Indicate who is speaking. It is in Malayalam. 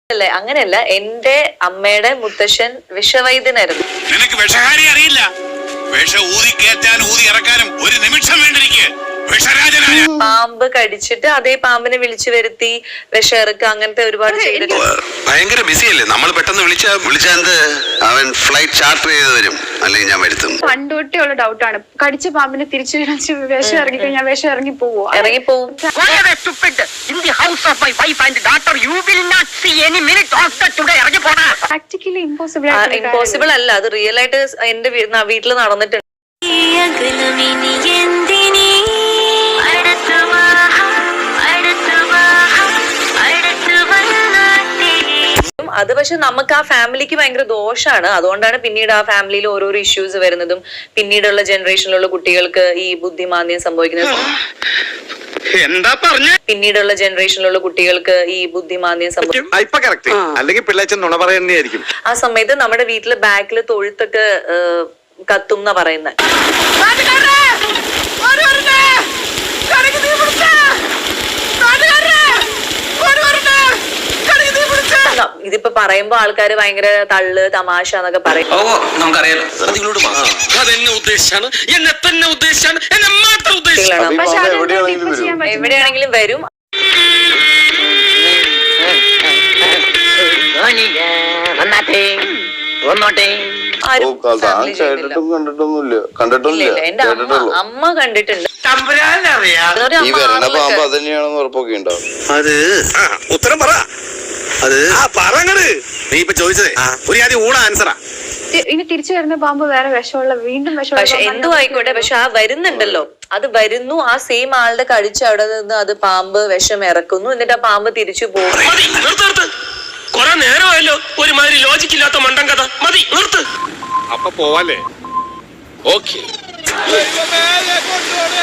Speaker 1: അല്ലേ? അങ്ങനെയല്ല, എന്റെ അമ്മയുടെ മുത്തശ്ശൻ വിഷവൈദ്യനായിരുന്നു.
Speaker 2: നിനക്ക് വിഷഹാരി അറിയില്ല. വിഷ ഊതി കയറ്റാനും ഊതി ഇറക്കാനും ഒരു നിമിഷം വേണ്ടിരിക്കെ.
Speaker 1: പാമ്പ് കടിച്ചിട്ട് അതേ പാമ്പിനെ വിളിച്ചു വരുത്തി വിഷം ഇറക്കുക, അങ്ങനത്തെ ഒരുപാട് ചെയ്തിട്ടുണ്ട്.
Speaker 3: ഭയങ്കര ബിസി അല്ലേ നമ്മൾ, പെട്ടെന്ന് വിളിച്ചാൽ അവൻ ഫ്ലൈറ്റ് ചാർട്ടർ ചെയ്ത് വരും, അല്ലെങ്കിൽ ഞാൻ വരുത്തും.
Speaker 4: പണ്ടൊട്ടേ ഉള്ള ഡൗട്ടാണ്, കടിച്ച പാമ്പിനെ തിരിച്ചു വിഷം ഇറങ്ങി കഴിഞ്ഞാൽ വിഷം ഇറങ്ങിപ്പോവും. പ്രാക്ടിക്കലി
Speaker 1: ഇമ്പോസിബിൾ അല്ല, അത് റിയൽ ആയിട്ട് എന്റെ വീട്ടിൽ നടന്നിട്ടുണ്ട്. അത് പക്ഷെ നമുക്ക് ആ ഫാമിലിക്ക് ഭയങ്കര ദോഷമാണ്. അതുകൊണ്ടാണ് പിന്നീട് ആ ഫാമിലിയിൽ ഓരോരോ ഇഷ്യൂസ് വരുന്നതും പിന്നീടുള്ള ജനറേഷനിലുള്ള കുട്ടികൾക്ക് ഈ ബുദ്ധിമാന്ദ്യം സംഭവിക്കുന്നത്. പിന്നീടുള്ള ജനറേഷനിലുള്ള കുട്ടികൾക്ക് ഈ ബുദ്ധിമാന്ദ്യം സംഭവിക്കും. ആ സമയത്ത് നമ്മുടെ വീട്ടില് ബാക്കിൽ തൊഴുത്തൊക്കെ കത്തും എന്നാ പറയുന്നത്. ഇതിപ്പോ പറയുമ്പോ ആൾക്കാര് ഭയങ്കര തള്ള് തമാശ എന്നൊക്കെ പറയും. എവിടെയാണെങ്കിലും വരും. എന്റെ അമ്മ കണ്ടിട്ടുണ്ട്.
Speaker 3: ഉത്തരം പറ. നീ ഇപ്പൊ ചോദിച്ചതേ ഒരു ആദ്യം ഊണ ആൻസറാ.
Speaker 4: ഇനി തിരിച്ചു വരുന്ന പാമ്പ് വേറെ വിഷമുള്ള വീണ്ടും വിഷമുള്ള.
Speaker 1: പക്ഷെ എന്തോ ആയിക്കോട്ടെ, പക്ഷെ ആ വരുന്നുണ്ടല്ലോ, അത് വരുന്നു, ആ സെയിം ആളുടെ കടിച്ച് അവിടെ നിന്ന് അത് പാമ്പ് വിഷം ഇറക്കുന്നു, എന്നിട്ട് ആ പാമ്പ് തിരിച്ചു പോകും.
Speaker 2: കൊറേ നേരമായല്ലോ ഒരുമാതിരി ലോജിക്ക് ഇല്ലാത്ത മണ്ടൻ കഥ. മതി, നിർത്ത്. അപ്പൊ പോവാല്ലേ? ഓക്കെ.